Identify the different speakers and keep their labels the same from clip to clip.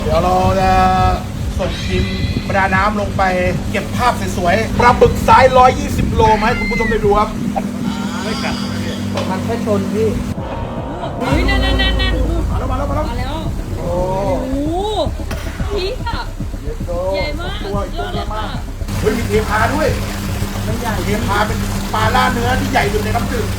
Speaker 1: เดี๋ยวเราจะส่งทีมประดาน้ำลงไปเก็บภาพสวยๆปลาบึกไซส์120 โลมาให้คุณผู้ชมได้ดูครับไม่กัด
Speaker 2: มันแค่ชนพี่
Speaker 3: อุ้ยนั่นมาแล้ว
Speaker 1: มาแล้ว
Speaker 3: มาแล้ว
Speaker 1: โอ้
Speaker 3: โอ้โหพี่อะใหญ่มาก
Speaker 1: ตัวย
Speaker 3: อดเลยค่ะ
Speaker 1: เฮ้ยมีเทพาด้วยไม่ใหญ่เทพาเป็นปลาล่าเนื้อที่ใหญ่สุดในน้ำจืด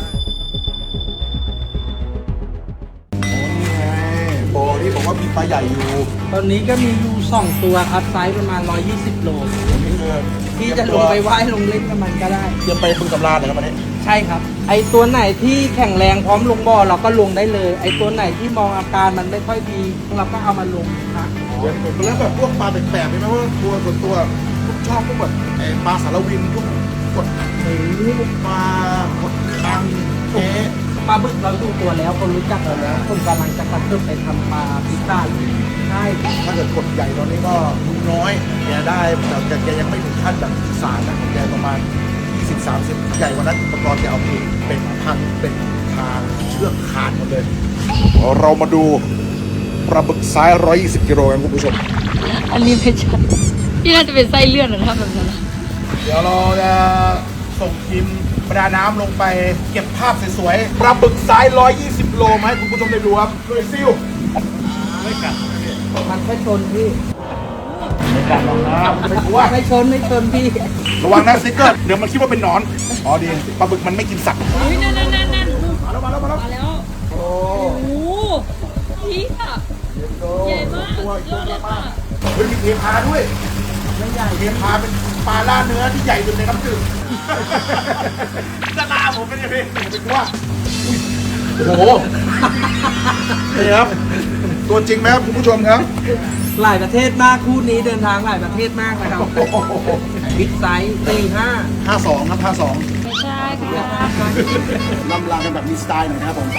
Speaker 1: บ่อนี่บอกว่ามีปลาใหญ่อยู่
Speaker 2: ตอนนี้ก็มีอยู่2ตัวครับไซส์ประมาณ120 โล
Speaker 1: นี่คือ
Speaker 2: พี่จะลงไปว่ายลงเล่นกับมันก็ได้
Speaker 1: เตรียมไปบึงกำลาเหรอครับวันนี้
Speaker 2: ใช่ครับ ไอตัวไหนที่แข็งแรงพร้อมลงบ่อเราก็ลงได้เลย ไอตัวไหนที่มองอาการมันไม่ค่อยดีเราก็เอามาลงครับ
Speaker 1: แล้วแบบพวกปลาแปลกๆไหมว่าตัวส่วนตัวผมชอบพวกแบบปลาสารวินพวกกดหมูปลากดคังแค่
Speaker 2: ปลาบึกเราดูตัวแล้วคนรู้จักเราแล้วคนกำลังจะกระเทิบไปทำปลาพิซซ่าอยู่ใช่
Speaker 1: ถ้าเกิดกดใหญ่ตอนนี้ก็น้อยแกได้แต่แกยังไม่ถึงขั้นแบบอีสานนะแกประมาณ20-30ใหญ่กว่านั้นอุปกรณ์แกเอาเป็นพันเป็นทางเชือกขาดหมดเลยเรามาดูปลาบึกไซส์120 กิโลกันคุณผู้ชม
Speaker 3: อันนี้ไม่ใช่พี่น่าจะเป็นไส้เลื่อนนะถ้าแบบนั้น
Speaker 1: เดี๋ยวเราจะส่งทีมประดาน้ำลงไปเก็บภาพสวยๆปลาบึกไซส์120 โลมาให้คุณผู้ชมได้ดูครับด้วยซิลไม่กัด
Speaker 2: มันแค่ชนพี่
Speaker 1: ไม่กัดหรอกนะไม่กลัว
Speaker 2: ไม่ชนพี่
Speaker 1: ระวังนะสติ๊กเกอร์เดี๋ยวมันคิดว่าเป็นหนอนอ๋อดีปลาบึกมันไม่กินสัตว์
Speaker 3: อุ้ยนั่น
Speaker 1: มาแล้ว
Speaker 3: มาแล้ว
Speaker 1: โอ้
Speaker 3: โอ้โหพี่อะใหญ่มาก
Speaker 1: ตัวย
Speaker 3: อดเลยค่ะ
Speaker 1: เฮ้ยมีเทพาด้วยไม่ใหญ่เทพาเป็นปลาล่าเนื้อที่ใหญ่สุดในน้ำจืดจะลาผมเป็นยังไงผมไม่กลัวโอ้โหนี่ครับตัวจริงไหมครับคุณผู้ชมครับ
Speaker 2: หลายประเทศมากคู่นี้เดินทางหลายประเทศมากนะครับบิ๊กไซส์45
Speaker 1: 52ครับ52
Speaker 3: ไม่ใช่ค่ะ
Speaker 1: ลำลากันแบบมีสไตล์หน่อยนะครับผม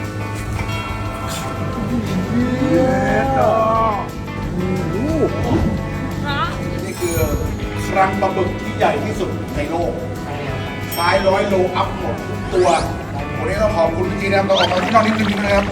Speaker 1: เย้ดอ
Speaker 3: พระ
Speaker 1: นี่คือครังปลาบึกที่ใหญ่ที่สุดในโลกไซส์100 โลอัพหมดทุกตัววันนี้ต้องขอบคุณจริงๆนะครับเราออกมาที่นอกนิดนึงนะครับ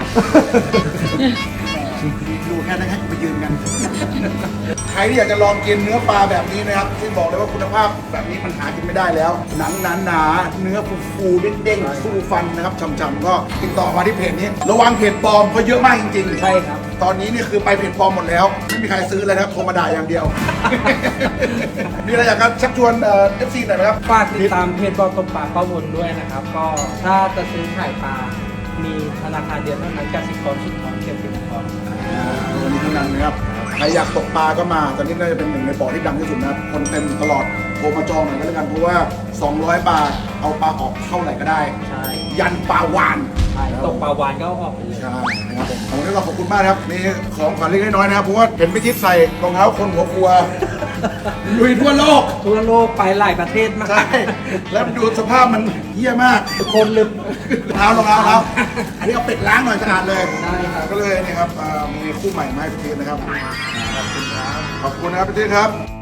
Speaker 1: ดูแค่นั้นให้ไปยืนกัน ใครที่อยากจะลองกินเนื้อปลาแบบนี้นะครับที่บอกเลยว่าคุณภาพแบบนี้มันหากินไม่ได้แล้ว หนังหนาๆเนื้อฟูๆเด้งๆสู้ฟันนะครับฉ่ำๆก็ติดต่อมาที่เพจนี้ระวังเพจปลอมเพราะเยอะมากจริงๆ
Speaker 2: ใช่ครับ
Speaker 1: ตอนนี้นี่คือไปเพจปลอมหมดแล้ว ไม่มีใครซื้อเลยนะครับโทรมาด่าอย่างเดียว มีอะไรอยากจะชักชวนFC หน่อยไหมครับ
Speaker 2: ฝากติดตามเพจบอลตบปลาป้าวนด้วยนะครับ ก็ถ้าจะซื้อขายปลา มีธนาคารเดียวเท่านั้นกสิกรสุดทองเกียรตินคร
Speaker 1: วันนี้ทั้งนั้นนะครับใครอยากตกปลาก็มาตอนนี้น่าจะเป็นหนึ่งในบ่อที่ดังที่สุดนะครับคนเต็มตลอดโทรมาจองหน่อยก็แล้วกันเพราะว่า200 บาทเอาปลาออกเท่าไหร่ก็ได้
Speaker 2: ใช่
Speaker 1: ยันปลาวาน
Speaker 2: ใช่ตกปลาวานก็เอาออกไปเลย
Speaker 1: ใช่นะครับผมวันนี้เราขอบคุณมากนะครับนี่ของขวัญเล็กน้อยนะครับเพราะว่าเห็นพี่ทิศใส่รองเท้าคนหัวครัวลุยทั่วโลก
Speaker 2: ทั่วโลกไปหลายประเทศมาก
Speaker 1: ใช่ แล้วดูสภาพมันเหี้ยมาก
Speaker 2: คนลืม
Speaker 1: รองเท้อันนี้เอาเป็ดล้างหน่อยสะอาดเลย
Speaker 2: ได้ครับ
Speaker 1: ก็เลยนี่ครับมีคู่ใหม่มาให้พี่ทิศนะครับ ขอบคุณครับ ขอบคุณนะครับพี่ทิศครับ